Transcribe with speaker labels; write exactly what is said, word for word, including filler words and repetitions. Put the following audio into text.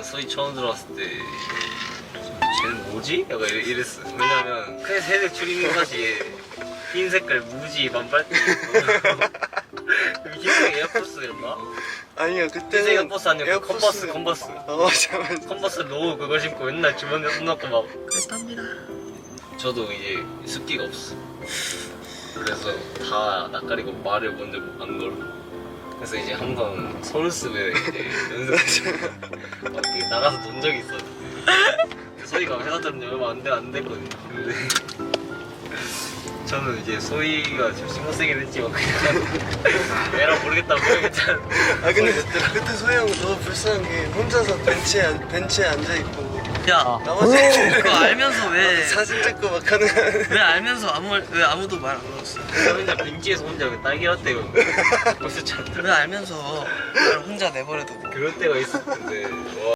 Speaker 1: 소위 처음 들어왔을 때 쟤는 뭐지? 약간 이랬, 이랬어. 왜냐면 큰 새색 추리닝 바지에 흰 색깔 무지 반팔티 흰색 에어포스였나?
Speaker 2: 아니요
Speaker 1: 흰색
Speaker 2: 그때는
Speaker 1: 에어포스 아니고 컨버스 컨버스
Speaker 2: 어 맞아 맞아.
Speaker 1: 컨버스 로우 그거 신고 맨날 주머니에 손 넣고 막 그랬답니다. 저도 이제 습기가 없어. 그래서 다 낯가리고 말을 먼저 안 걸어. 그래서 이제 한번 서울 쓰면 이제 연습 막 이렇게 나가서 논 적이 있었는데 소희가 회사 들은 지 얼마 안, 돼, 안 됐거든요. 근데 저는 이제 소희가 좀 신경쓰긴 했지만 그냥 애랑 모르겠다 모르겠다.
Speaker 2: 아 근데 그때 소희 형 너무 불쌍한 게 혼자서 벤치에 앉- 벤치에 앉아 있고
Speaker 3: 야
Speaker 2: 나머지
Speaker 3: 그거 알면서 왜
Speaker 2: 사진 찍고 막 하는
Speaker 3: 왜 알면서 아무 말- 왜 아무도 말 안 걸었어?
Speaker 1: 혼자 벤치에서 혼자 딸기 라떼 벌써 잤더라.
Speaker 3: 왜 알면서 날 혼자 내버려두고
Speaker 1: 그럴 때가 있었는데 와.